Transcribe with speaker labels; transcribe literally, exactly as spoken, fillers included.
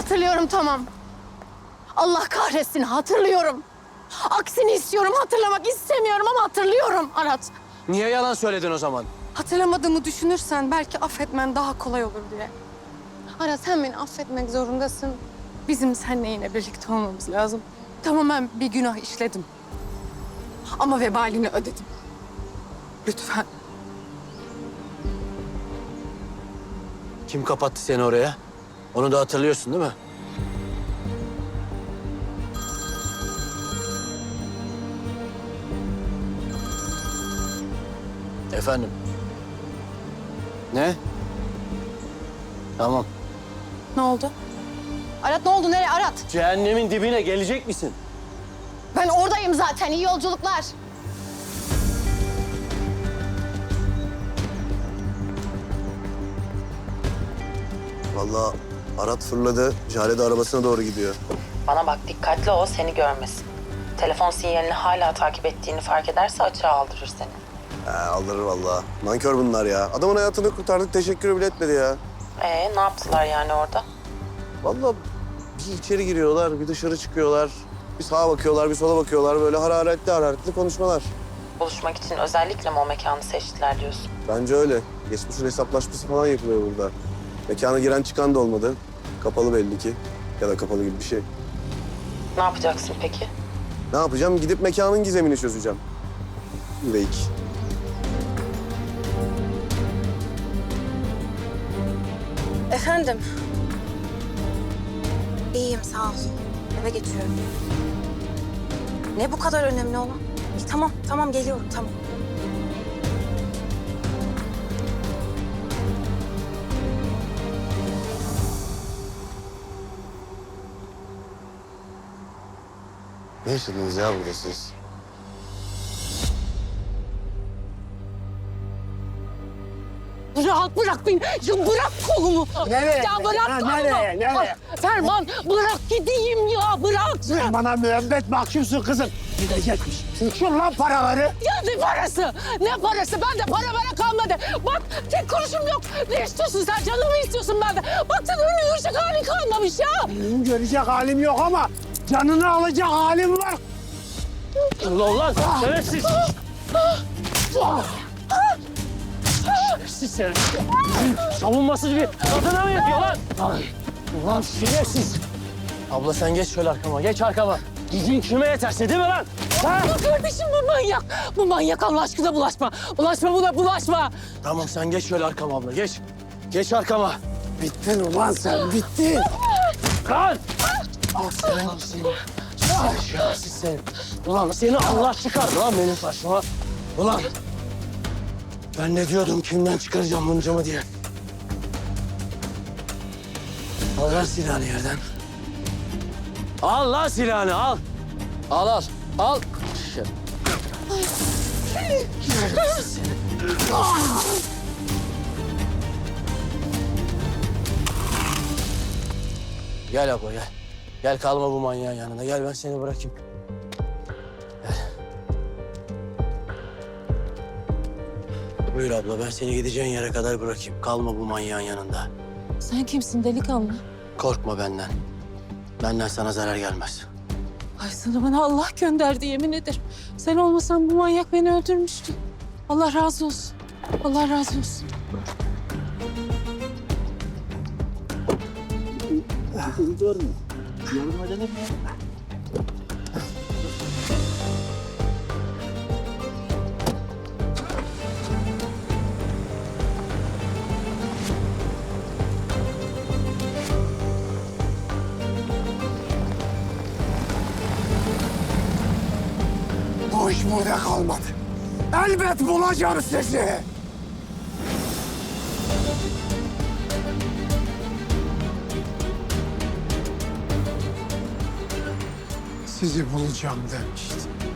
Speaker 1: Hatırlıyorum, tamam. Allah kahretsin, hatırlıyorum. Aksini istiyorum, hatırlamak istemiyorum ama hatırlıyorum Arat.
Speaker 2: Niye yalan söyledin o zaman?
Speaker 1: Hatırlamadığımı düşünürsen belki affetmen daha kolay olur diye. Arat, sen beni affetmek zorundasın. Bizim seninle yine birlikte olmamız lazım. Tamam, ben bir günah işledim. Ama vebalini ödedim. Lütfen.
Speaker 2: Kim kapattı seni oraya? Onu da hatırlıyorsun değil mi? Efendim? Ne? Tamam.
Speaker 1: Ne oldu? Arat, ne oldu? Nereye Arat?
Speaker 2: Cehennemin dibine gelecek misin?
Speaker 1: Ben oradayım zaten. İyi yolculuklar.
Speaker 3: Vallahi Arat fırladı. Jale de arabasına doğru gidiyor.
Speaker 4: Bana bak, dikkatli ol, seni görmesin. Telefon sinyalini hala takip ettiğini fark ederse açığa aldırır seni.
Speaker 3: He, aldırır vallahi. Nankör bunlar ya. Adamın hayatını kurtardık, teşekkür bile etmedi ya.
Speaker 4: Ee, ne yaptılar yani orada?
Speaker 3: Vallahi bir içeri giriyorlar, bir dışarı çıkıyorlar. Bir sağa bakıyorlar, bir sola bakıyorlar. Böyle hararetli hararetli konuşmalar.
Speaker 4: Buluşmak için özellikle mi o mekanı seçtiler diyorsun?
Speaker 3: Bence öyle. Geçmişin hesaplaşması falan yapılıyor burada. Mekana giren çıkan da olmadı. Kapalı belli ki. Ya da kapalı gibi bir şey.
Speaker 4: Ne yapacaksın peki?
Speaker 3: Ne yapacağım? Gidip mekanın gizemini çözeceğim. Üveyik.
Speaker 5: Efendim? İyiyim, sağ ol. Eve geçiyorum. Ne bu kadar önemli olan? İyi, tamam, tamam geliyorum, tamam.
Speaker 3: Ne yaşadınız ya burada siz?
Speaker 1: Rahat bırak beni. Ya bırak kolumu.
Speaker 6: Nereye?
Speaker 1: Ya bırak
Speaker 6: Ha,
Speaker 1: kolumu.
Speaker 6: nereye, nereye?
Speaker 1: Ferman, bırak gideyim ya, bırak.
Speaker 6: Sen bana müebbet mahkumsun kızım. Gidecekmiş. Şur lan paraları.
Speaker 1: Ya ne parası? Ne parası? Bende para para kalmadı. Bak, tek kuruşum yok. Ne istiyorsun sen? Canımı istiyorsun benden. Bak, sen öyle yürüyecek halin kalmamış ya.
Speaker 6: Benim görecek halim yok ama canını alacak halim var.
Speaker 2: Ulan lan şerefsiz! Şerefsiz sen! Savunmasız bir kadına mı yapıyor lan? Ulan şerefsiz! Abla sen geç şöyle arkama, geç arkama. Gücün kime yeterse değil mi lan? Ha?
Speaker 1: Ya kardeşim, bu manyak. Bu manyak, Allah aşkına bulaşma. Bulaşma buna, bulaşma.
Speaker 2: Tamam sen geç şöyle arkama abla, geç. Geç arkama.
Speaker 6: Bittin ulan sen, bittin.
Speaker 2: Lan! Ah sen seni. Sen şerefsiz sen. Ulan seni Allah çıkardı lan benim başıma. Ulan! Ben ne diyordum, kimden çıkaracağım buncamı diye. Al lan silahını yerden. Al lan silahını, al. Al, al, al. Şerefsiz seni. Gel abla, gel. Gel, kalma bu manyağın yanında. Gel, ben seni bırakayım. Gel. Buyur abla, ben seni gideceğin yere kadar bırakayım. Kalma bu manyağın yanında.
Speaker 1: Sen kimsin delikanlı?
Speaker 2: Korkma benden. Benden sana zarar gelmez.
Speaker 1: Ay, sana bana Allah gönderdi, yemin ederim. Sen olmasan bu manyak beni öldürmüştü. Allah razı olsun. Allah razı olsun.
Speaker 6: Bu iş burada kalmadı. Elbet bulacağım sizi. Sizi bulacağım demiştim.